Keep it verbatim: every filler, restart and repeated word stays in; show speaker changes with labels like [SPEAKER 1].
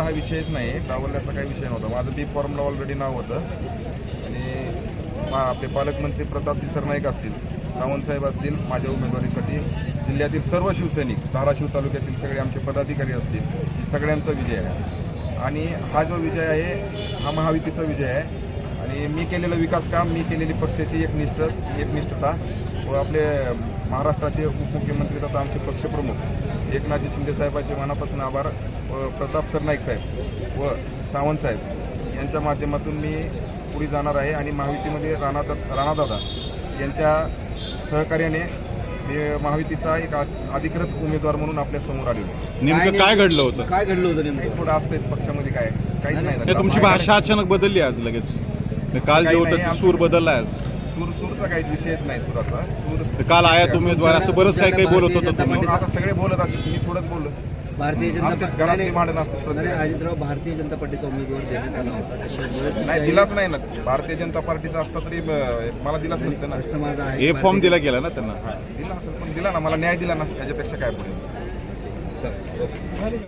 [SPEAKER 1] हा विषयच नाही, डावलण्याचा काही विषय नव्हता. माझं बी फॉर्मला ऑलरेडी नाव होतं आणि आपले पालकमंत्री प्रताप सरनाईक असतील, सावंतसाहेब असतील, माझ्या उमेदवारीसाठी जिल्ह्यातील सर्व शिवसैनिक, धाराशिव तालुक्यातील सगळे आमचे पदाधिकारी असतील, ही सगळ्यांचा विजय आहे. आणि हा जो विजय आहे हा महायुतीचा विजय आहे. आणि मी केलेलं विकास काम, मी केलेली पक्षाची एकनिष्ठ एकनिष्ठता व आपले महाराष्ट्राचे उपमुख्यमंत्री तथा आमचे पक्षप्रमुख एकनाथजी शिंदे साहेबांचे मनापासून आभार व प्रताप सरनाईक साहेब व सावंत साहेब यांच्या माध्यमातून मी पुढे जाणार आहे. आणि महायुतीमध्ये राणा राणादादा यांच्या सहकार्याने मी महायुतीचा एक अधिकृत उमेदवार म्हणून आपल्या समोर आलेलो.
[SPEAKER 2] नेमकं काय घडलं होतं?
[SPEAKER 3] काय घडलं होतं नेमकं?
[SPEAKER 1] थोडं असतं पक्षामध्ये, काय काहीच नाही झालं.
[SPEAKER 2] तुमची भाषा अचानक बदलली आज लगेच. काल जे होतं ते सूर बदलला आज.
[SPEAKER 1] सूर सूरचा काही विषयच नाही. सुराचा सूर
[SPEAKER 2] काल आयात उमेदवार असं बरंच काही काही बोलत होतं तुम्ही.
[SPEAKER 1] आता सगळे बोलत असतील, मी थोडंच बोललो.
[SPEAKER 3] भारतीय जनता
[SPEAKER 1] असतात घरातली भांडण असतात.
[SPEAKER 3] नाही, अजितराव भारतीय जनता पार्टीचा उमेदवार देण्यात आला होता, त्याच्यामुळे
[SPEAKER 1] नाही दिलाच नाही ना. भारतीय जनता पार्टीचा असता तरी मला दिलाच नसतं ना.
[SPEAKER 3] माझा आहे
[SPEAKER 2] हे फॉर्म दिला गेला ना त्यांना.
[SPEAKER 1] दिला असेल पण दिला ना, मला न्याय दिला ना, त्याच्यापेक्षा काय पुढे.